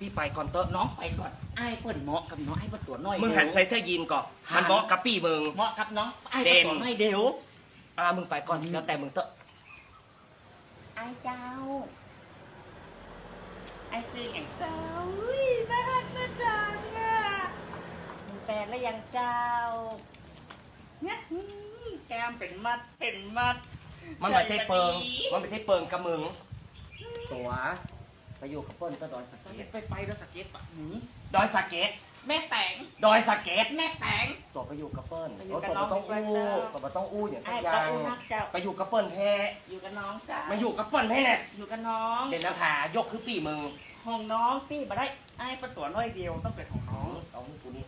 พี่ไปก่อนเตอะน้องไปก่อนไอ้เปิ่นเหมาะกับน้องไอ้เปิ่นสวนน้อยมึงหันใส่เสื้อยีนก่อนมันเหมาะกับพี่มึงเหมาะกับน้องไอ้เปิ่นสวนน้อยเดี๋ยวมึงไปก่อนแล้วแต่มึงเตอะไอ้เจ้าไอ้ชื่ออย่างเจ้าอุ้ยน่ารักนะจังอ่ะมีแฟนแล้วยังเจ้าเนี่ยแก้มเป็นมัดเป็นมัดมันไม่ใช่เปิงมันไม่ใช่เปิงกับมึงตัวไปอยู่กับเปิ้ลก็ดอยสะเก็ดไปแล้วสเก็ตปะหนีดอยสะเก็ดแม่แตงดอยสะเก็ดแม่แตงตัวไปอยู่กับเปิ้ลไปอยู่ตัวกับน้ต้ออง งอู้ตัวต้องอู้อย่างสัไอ้กอปะย่างอูนักเจ้าไปอยู่กับเปิ้ลแท้อยู่กับน้องจ้ามาอยู่กับเปิ้ลแท้เนี่ยอยู่กับน้องเด่นน้ำผายกคือปีมึงห้องน้องพี่มาได้ไอ้ประตัวน้อยเดียวต้องเป็นของน้องเอากูนี่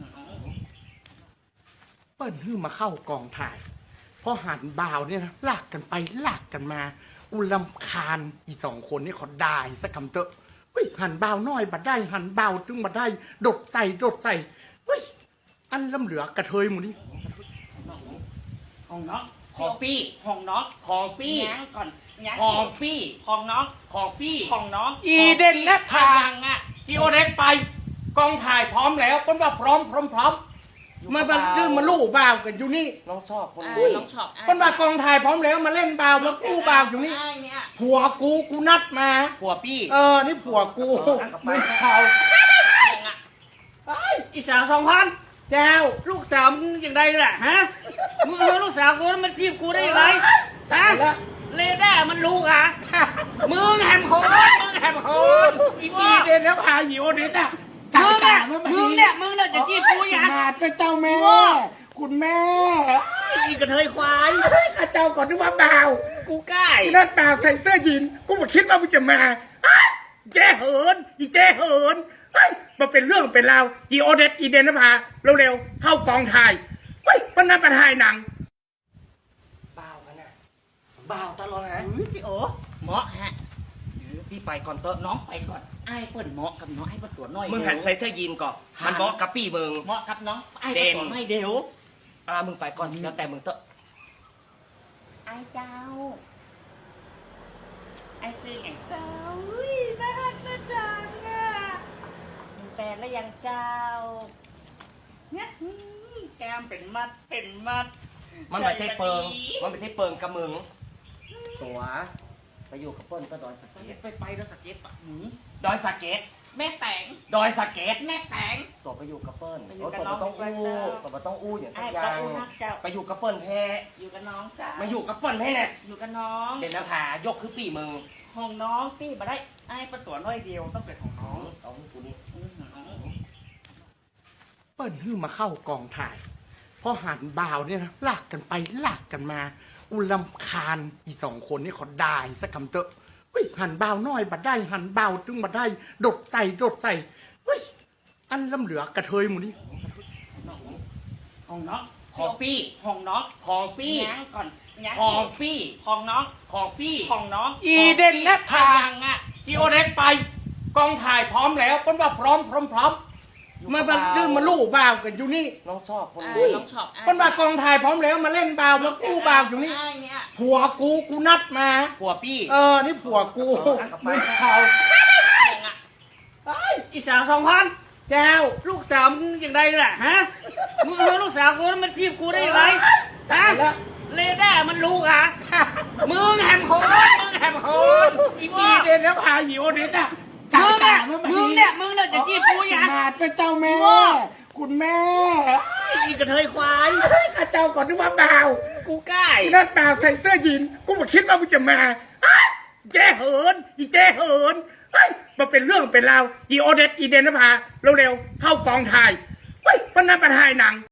เปิ้ลฮื้อมาเข้ากองถ่ายพอหันบ่าวเนี่ยนะลากกันไปลากกันมากูลำคาญอีสองคนนี่เขาได้สักคำเตอะเฮ้ยหันบ่าวน้อยบัดได้หันบ่าวจึงบัดได้ดดใส่เฮ้ยอันลำเหลือกระเทยหมูนี่ห้องน้องของปี้ห้องน้องของปี้ยังก่อนยังของปี้ห้องน้องของปี้ห้องน้องอีเดนและพายังอ่ะอีโอเด็กไปกองถ่ายพร้อมแล้วเปิ้ลว่าพร้อมมาดื้อมาลู่บ่าวกันอยู่นี่น้องชอบคนไอ้นี้น้องชอบเปิ้ลว่ากองถ่ายพร้อมแล้วมาเล่นบ่าวมากู้บ่าวอยู่นี่ไอ้เนี่ยผัวกูนัดมาผัวปี้นี่ผัวกูไม่เขายังอ่ะอีสาว2,000 เจ้าลูกสาวมึงอย่างไรล่ะฮะมึงเอาลูกสาวกูมันจีบกูได้ยังไงฮะแล้วเลด้ามันรู้อ่ะมึงแหมโหดมึงแหมโหดอีอีบ้าเดนแล้วพาหิวเด็ดอ่ะมึงเนี่ยจะจีบกูยังมาเป็นเจ้าแม่ คุณแม่อีกระเทยควายข้าเจ้าก่อนนึกว่าบ่าวกูใกล้หน้าตาใส่เสื้อยีนกูมาคิดว่ามึงจะมาแจ้เหินอีแจ้เหินมาเป็นเรื่องเป็นราวอีโอเดตอีเดนนภาเร็วๆเข้ากองถ่ายมันน่าประทายหนังบ่าวกันน่ะบ่าวตลอดนะพี่โอเหมาะฮะพี่ไปก่อนเตอะน้องไปก่อนไอ้เปิ่นเหมาะกับน้องไอ้เปิ่นสวนน้อยมึงหันใส่เสื้อยีนก่อนมันเหมาะกับปี้มึงเหมาะกับน้องไอ้เปิ่นสวนน้อยเดี๋ยวมึงไปก่อนแล้วแต่มึงเตอะไอ้เจ้าไอ้ชื่ออย่างเจ้าอุ้ยน่ารักนะจังอ่ะมีแฟนแล้วยังเจ้าเนี่ยแก้มเป็นมัดเป็นมัดมันไม่ใช่เปิงมันไม่ใช่เปิงกับมึงตัวไปอยู่กับเปิ้ลก็ดอยสะเก็ดไปแล้วสเก็ตปะหนีดอยสะเก็ดแม่แตงดอยสะเก็ดแม่แตงตัวไปอยู่กับเปิ้ลไปอยู่กับตัวน้องต้องอู้ดีกว่าเจ้าตัวต้องอู้อย่างสัไอ้กอปะย่างอูนักเจ้าไปอยู่กับเปิ้ลแท้อยู่กับน้องจ้ามาอยู่กับเปิ้ลแท้เนี่ยอยู่กับน้องเด่นน้ำผายกคือปีมึงห้องน้องพี่มาได้ไอ้ประตัวน้อยเดียวต้องเป็นของน้องเอากูนี่เปิ้ลฮื้อมาเข้ากองถ่ายพอหันบ่าวเนี่ยนะลากกันไปลากกันมากูลำคาญอีสองคนนี่เขาได้สักคำเตอะเฮ้ยหันบ่าวน้อยบัดได้หันบ่าวจึงบัดได้ดดใส่เฮ้ยอันลำเหลือกระเทยหมูนี่ห้องน้องของปี้ห้องน้องของปี้ยังก่อนยังของปี้ห้องน้องของปี้ห้องน้องอีเดนและพายังอ่ะอีโอเด็กไปกองถ่ายพร้อมแล้วเปิ้ลว่าพร้อมมาดื้อมาลู่บ่าวกันอยู่นี่น้องชอบคนไอ้นี้น้องชอบเปิ้ลว่ากองถ่ายพร้อมแล้วมาเล่นบ่าวมากู้บ่าวอยู่นี่ไอ้เนี่ยผัวกูนัดมาผัวปี้นี่ผัวกูไม่เขายังอ่ะอีสาว2,000 เจ้าลูกสาวมึงอย่างไรล่ะฮะมึงเอาลูกสาวกูมันจีบกูได้ยังไงฮะแล้วเลด้ามันรู้อ่ะมึงแหมโหดมึงแหมโหดอีอีบ้าเดนแล้วพาหิวเด็ดอ่ะมึงเนี่ยจะจีบกูยังมาเป็นเจ้าแม่ คุณแม่อีกระเทยควายข้าเจ้าก่อนนึกว่าบ่าวกูใกล้หน้าตาใส่เสื้อยีนกูมาคิดว่ามึงจะมาแจ้เหินอีแจ้เหินมาเป็นเรื่องเป็นราวอีโอเดตอีเดนนภาเร็วๆเข้ากองถ่ายมันน่าประทายหนัง